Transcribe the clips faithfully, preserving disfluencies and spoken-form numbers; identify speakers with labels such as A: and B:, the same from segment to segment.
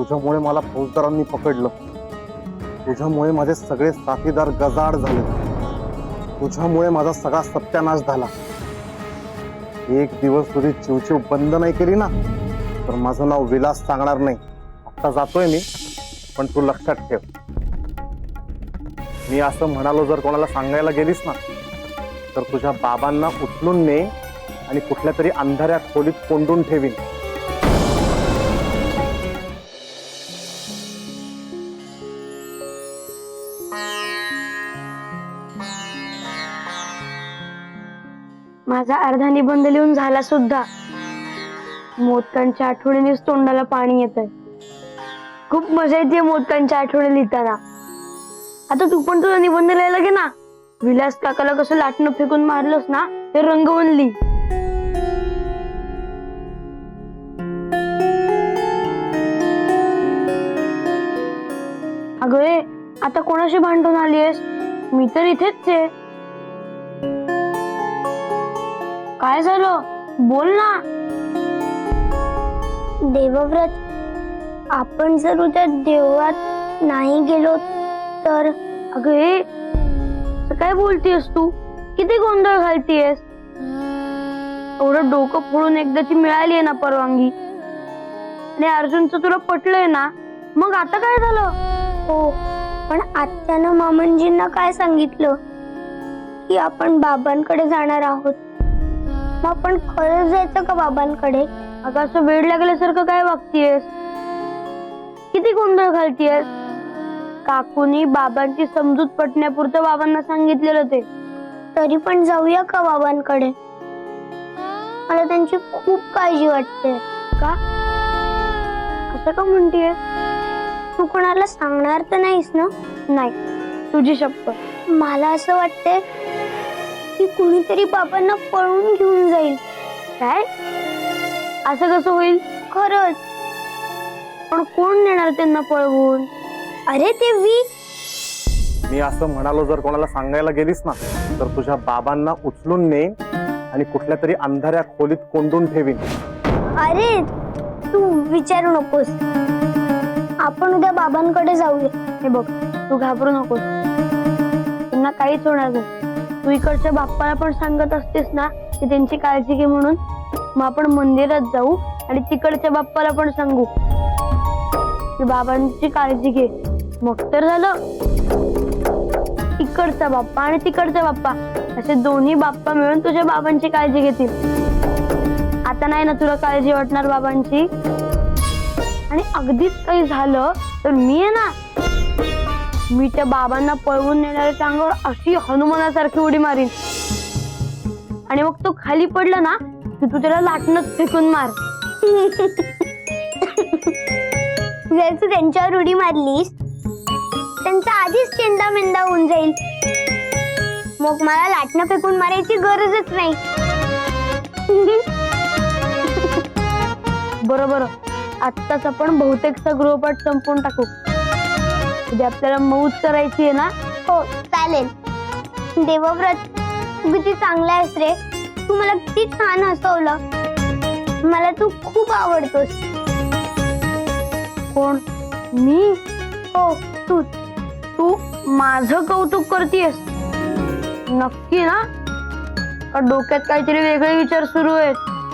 A: तुझ्यामुळे मला फौजदारांनी पकडलं, तुझ्यामुळे माझे सगळे साथीदार गजाआड झाले, तुझ्यामुळे माझा सगळा सत्यानाश झाला. एक दिवस तुझी चिवचिव बंद नाही केली ना तर माझं नाव विलास सांगणार नाही. आता जातोय मी, पण तू लक्षात ठेव, मी असं म्हणालो जर कोणाला सांगायला गेलीस ना तर तुझ्या बाबांना उचलून ने आणि कुठल्या तरी अंधाऱ्या खोलीत कोंडून ठेवीन.
B: माझा अर्धा निबंध लिहून झाला सुद्धा. मोदकांच्या आठवणीनेच तोंडाला पाणी येत आहे. खूप मजा येते मोदकांच्या आठवणी लिहिताना. आता तू पण तुझा निबंध लिहायला घे ना. विलास काकाला कसं लाटणं फेकून मारलंस ना ते रंगवून लिही. अगं ए, आता कोणाशी भांडून आलीयस? मी तर इथेच आहे. काय झालं? बोल ना.
C: देवव्रत, आपण जर उद्या देवळात नाही गेलो तर?
B: अगं ए, काय बोलतीयस तू? किती गोंधळ घालतीयस? एवढं डोकं फोडून एकदाची मिळाली आहे ना परवानगी, आणि अर्जुनचं तुला पटलंय ना, मग आता काय झालं?
C: हो, पण आत्यानं मामनजींना काय सांगितलं की आपण बाबांकडे जाणार आहोत. मग आपण खरंच जायचं का बाबांकडे?
B: अगं असं वेळ लागल्यासारखं काय वागतीयस? किती गोंधळ घालतीयस? काकूनी बाबांची समजूत पटण्यापुरतं बाबांना सांगितलेलं ते.
C: तरी पण जाऊया का बाबांकडे? मला त्यांची खूप काळजी वाटते.
B: का? असं का म्हणतीये?
C: तू कोणाला सांगणार तर नाहीस ना?
B: नाही, तुझी शपथ.
C: मला असं वाटतंय की कुणीतरी बाबांना पळून घेऊन जाईल.
B: काय? असं कसं होईल?
C: खरंच.
B: पण कोण नेणार त्यांना पळवून?
C: अरे ते वी
A: मी असं म्हणालो जर कोणाला सांगायला गेलीस ना तर तुझ्या बाबांना उचलून ने आणि कुठल्या तरी अंधाऱ्या खोलीत कोंडून ठेवीन.
C: अरे तू विचारू नकोस. आपण उद्या बाबांकडे जाऊया.
B: हे बघ, तू घाबरू नकोस. त्यांना काहीच होणार नाही. तू इकडच्या बाप्पाला पण सांगत असतेस ना की त्यांची काळजी घे म्हणून. मग आपण मंदिरात जाऊ आणि तिकडच्या बाप्पाला पण सांगू की बाबांची काळजी घे. मग तर झालं. इकडचा बाप्पा आणि तिकडचा बाप्पा असे दोन्ही बाप्पा मिळून तुझ्या बाबांची काळजी घेतील. आता नाही ना तुला काळजी वाटणार बाबांची. आणि अगदीच काही झालं तर मी आहे ना, मी त्या बाबांना पळवून नेणाऱ्या अंगावर अशी हनुमानासारखी उडी मारीन, आणि मग तो खाली पडला ना की तू त्याला लाटणंच फेकून मार.
C: जर तू त्यांच्यावर उडी मारलीस त्यांचा आधीच चेंदा मेंदा होऊन जाईल. मग मला लाटणं फेकून मारायची गरजच नाही.
B: बरोबर. आत्ताच आपण बहुतेकचा गृहपाठ संपवून टाकू. उद्या आपल्याला मौज करायची आहे ना?
C: हो चालेल. देवव्रत, तू किती चांगला आहेस रे. तू मला किती छान हसवलं. मला तू खूप आवडतोस.
B: कोण? मी?
C: हो तू.
B: तू माझं कौतुक करतेस? नक्की ना? का डोक्यात काहीतरी वेगळे विचार सुरू आहेत?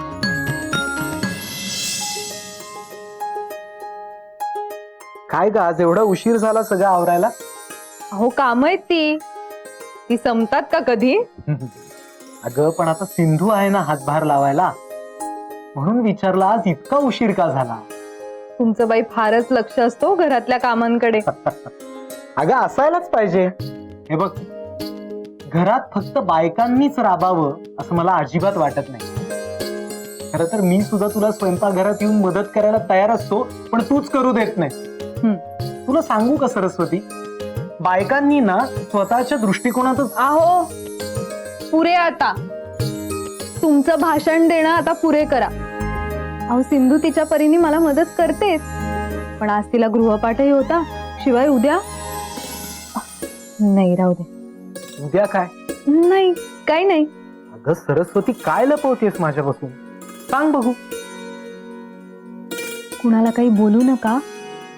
D: काय ग, आज एवढा उशीर झाला सगळं आवरायला?
E: अहो काम आहेत ती ती संपतात का कधी?
D: अगं पण आता सिंधू आहे ना हातभार लावायला, म्हणून विचारलं आज इतका उशीर का झाला.
E: तुमचं बाई फारच लक्ष असतो घरातल्या कामांकडे.
D: अगं असायलाच पाहिजे. हे बघ, घरात फक्त बायकांनीच राबावं असं मला अजिबात वाटत नाही. खरं तर मी सुद्धा तुला स्वयंपाकघरात येऊन मदत करायला तयार असतो, पण तूच करू देत नाही. तुला सांगू का सरस्वती, बायकांनी ना स्वतःच्या दृष्टिकोनातच.
E: आहो पुरे आता. तुमचं भाषण देणं आता पुरे करा. अहो सिंधू तिच्या परीने मला मदत करतेच, पण आज तिला गृहपाठही होता. शिवाय उद्या नाही, राहू दे.
D: उद्या काय?
E: नाही, काही नाही.
D: अगं सरस्वती, काय लपवतेस माझ्यापासून? सांग बघू.
E: कुणाला काही बोलू नका,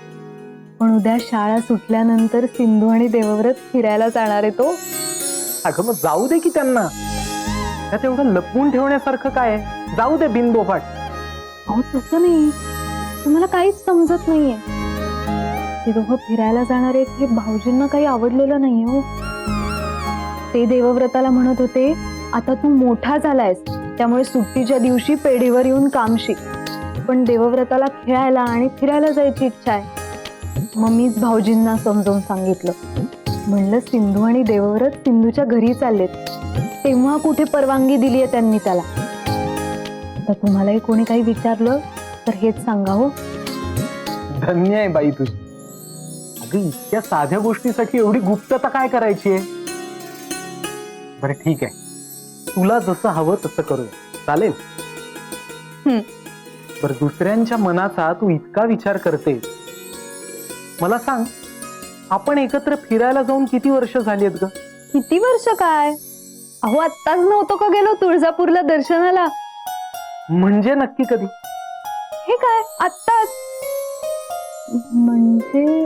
E: पण उद्या शाळा सुटल्यानंतर सिंधू आणि देवव्रत फिरायला जाणार आहे तो.
D: अगं मग जाऊ दे की त्यांना, त्यात एवढं लपवून ठेवण्यासारखं काय आहे? जाऊ दे बिनबोफाट.
E: अहो तसं नाही, तुम्हाला काहीच समजत नाहीये. ते दोघं फिरायला जाणार आहेत हे भाऊजींना काही आवडलेलं नाही हो. ते देवव्रताला म्हणत होते, आता तू मोठा झालायस त्यामुळे सुट्टीच्या दिवशी पेढीवर येऊन काम शिक. पण देवव्रताला खेळायला आणि फिरायला जायची इच्छा आहे. मग मीच भाऊजींना समजावून सांगितलं. म्हणलं सिंधू आणि देवव्रत सिंधूच्या घरी चाललेत, तेव्हा कुठे परवानगी दिली आहे त्यांनी त्याला. तर तुम्हालाही कोणी काही विचारलं तर हेच सांगा हो.
D: धन्य आहे बाई तुझी. अगं इतक्या साध्या गोष्टीसाठी एवढी गुप्तता काय करायची आहे? बरं ठीक आहे, तुला जसं हवं तसं करूया, चालेल?
E: हम्म.
D: बरं दुसऱ्यांच्या मनाचा तू इतका विचार करते, मला सांग, आपण एकत्र फिरायला जाऊन किती वर्ष झाली आहेत ग?
E: किती वर्ष काय? अहो आत्ताच नव्हतो का गेलो तुळजापूरला दर्शनाला?
D: म्हणजे नक्की कधी?
E: हे काय आत्ताच? म्हणजे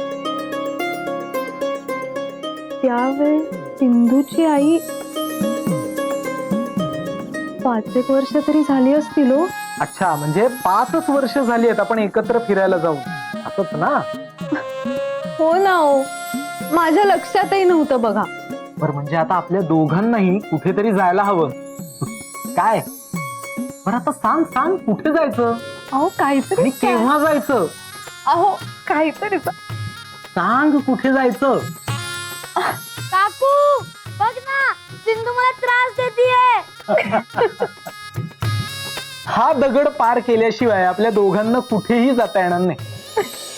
E: त्यावेळेस सिंधूची आई पाच एक वर्ष तरी झाली असतील हो.
D: अच्छा, म्हणजे पाचच वर्ष झाली आहेत आपण एकत्र फिरायला जाऊन, असंच ना?
E: हो ना हो, माझ्या लक्षातही नव्हतं बघा.
D: बरं म्हणजे आता आपल्या दोघांनाही कुठेतरी जायला हवं काय? बरं आता सांग सांग कुठे जायचं
E: अहो काहीतरी
D: आणि केव्हा जायचं?
E: अहो काहीतरी
D: सांग कुठे जायचं?
B: काकू बघ ना, सिंधू मला त्रास देतीये.
D: हा दगड पार केल्याशिवाय आपल्या दोघांना कुठेही जाता येणार नाही.